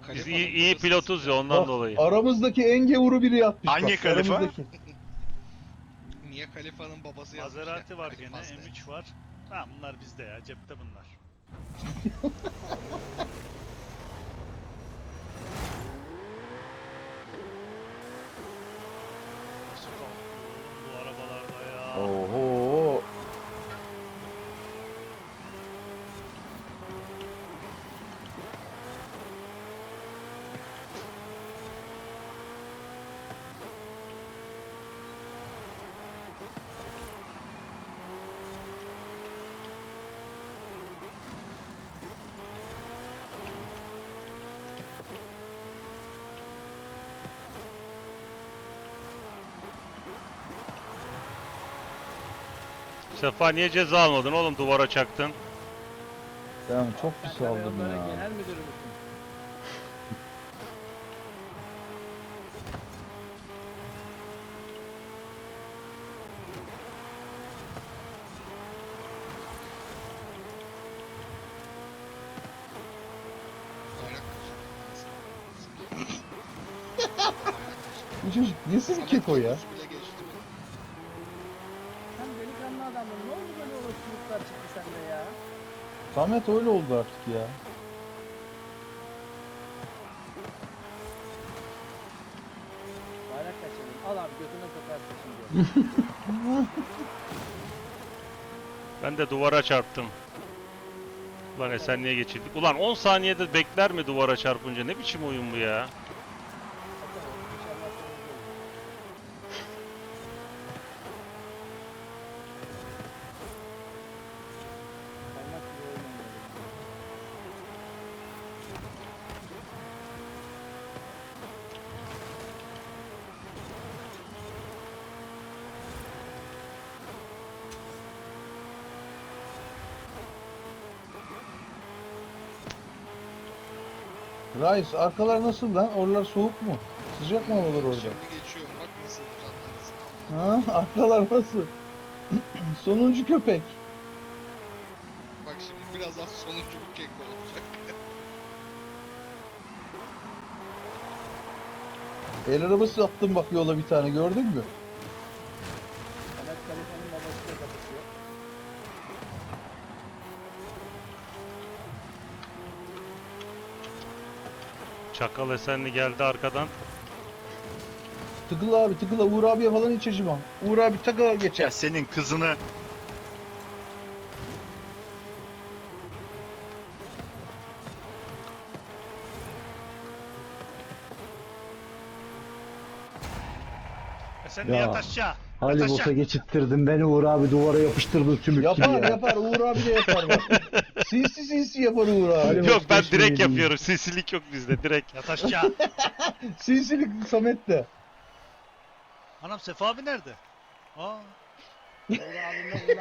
Biz Kalifa'nın iyi babası pilotuz ya ondan Bak, dolayı. aramızdaki en gevuru biri yatmış. Hangi bak, Kalifa? aramızdaki. Niye Kalifa'nın babası yazmış ya? Maserati var gene, Kalifas de. M3 var. Tamam bunlar bizde ya, cepte bunlar. Nasıl kalkıyor oğlum bu arabalarda ya? Oho. Sefa niye ceza almadın oğlum, duvara çaktın? Ben çok pis aldım Kamyonların ya. genel müdürü müsün? Bayrak Bu çocuk nesi bir keko ya? Samet bile geçti mi? Sen delikanlı adamın ne oldu böyle olasılıklar çıktı sende ya? Samet öyle oldu artık ya. Bayrak kaçırdım. Al abi götüne sokarsın şimdi. Ben de duvara çarptım. Ulan Esenli'ye geçirdik. Ulan 10 saniyede bekler mi duvara çarpınca? Ne biçim oyun bu ya? Bakalım, İnşallah sonuncu olur. Kaymak gibi oynamıyorum. Reis arkalar nasıl lan? Oralar soğuk mu? Sıcak mı havalar orada? Şimdi geçiyorum bak nasıl uzatlarız. Ha, arkalar nasıl? Sonuncu köpek. Bak şimdi birazdan sonuncu bir kek olacak. El arabası attım bak yola bir tane gördün mü? Samet Kalifa'nın babasıyla kapışıyor. Çakal Esenli geldi arkadan. Tıkıl abi tıkıla Uğur abiye falan hiç acımam. Uğur abi takıla geçer. Ya senin kızını Sen Ya. niye yat aşağı? Hali Yat bosa aşağı. geçittirdin beni Uğur abi duvara yapıştırdın sümük gibi Yapar ya. yapar Uğur abi de yapar bak. Sinsi sinsi yapar Uğur abi. Hadi Yok ben vazgeçmeyelim. direkt yapıyorum. Sinsilik yok bizde direkt. Yat aşağı. Sinsilik Samet de. Anam Sefa abi nerede? Aa. Uğur abimle